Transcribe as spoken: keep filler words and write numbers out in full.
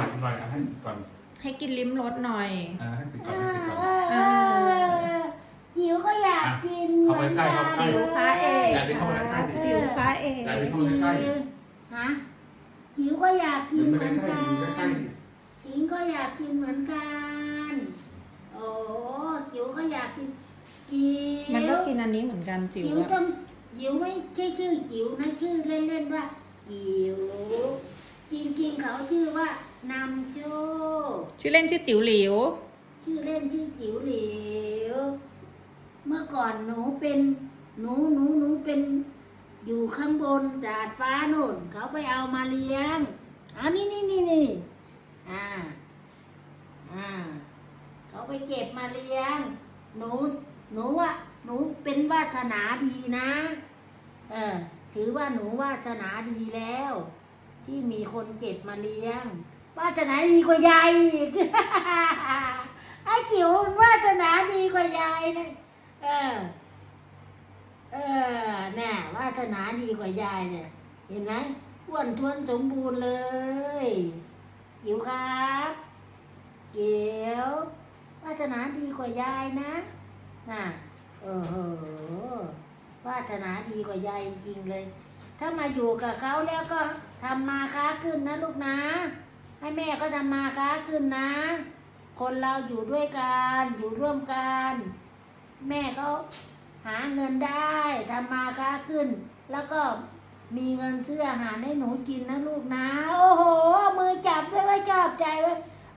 อยอีกหน่อยให้ก่อนให้กินลิ้มรสหน่อยอ่าให้ปิดเอก่อนให้ปิดก่อนอเออจิ๋วก็อยากกินเข้าไปใกล้เข้าไปใกล้จิ๋วพระเอกอย่าไปเข้าไปใกล้ดิจิ๋วพระเอกอย่าไปเข้าไปใกล้ฮะจิ๋วก็อยากกินเหไม่มือนใกล้กัใกล้นจิ๋งก็อยากกินเหมือนกันโอ้จิ๋วก็อยากกินจิ๋วมันก็กินอันนี้เหมือนกันจิ๋วจิ๋วอะต้องจิ๋วไม่ใช่ชื่อจิ๋วนะชื่อเล่นๆว่าจิ๋วจริงๆเขาชื่อว่านำโชคชื่อเล่นชื่อติ๋วหลิวชื่อเล่นชื่อจิ๋วหลิวเมื่อก่อนหนูเป็นหนูหนูหนูเป็นอยู่ข้างบนดาดฟ้าโน่นเขาไปเอามาเลี้ยงอันนี้นี่นี่นี่อ่าอ่าเขาไปเก็บมาเลี้ยงหนูหนูว่าหนูเป็นวาสนาดีนะเออถือว่าหนูวาสนาดีแล้ว ที่มีคนเก็บมาเลี้ยงวาสนาดีกว่ายายอีก ไอ้จิ๋วมันวาสนาดีกว่ายายนะเออ เออแน่วาสนาดีกว่ายายเนี่ย เห็นไหมอ้วนท้วนสมบูรณ์เลยจิ๋วครับจิ๋ววาสนาดีกว่ายายนะน่ะเออเหอะวาสนาดีกว่ายายจริงๆเลย ถ้ามาอยู่กับเขาแล้วก็ทำมาค้าขึ้นนะลูกนะ ให้แม่ก็ทำมาค้าขึ้นนะ คนเราอยู่ด้วยกันอยู่ร่วมกัน แม่ก็หาเงินได้ทำมาค้าขึ้น แล้วก็มีเงินซื้ออาหารให้หนูกินนะลูกนะ โอ้โหมือจับด้วยว่าชอบใจเว้ย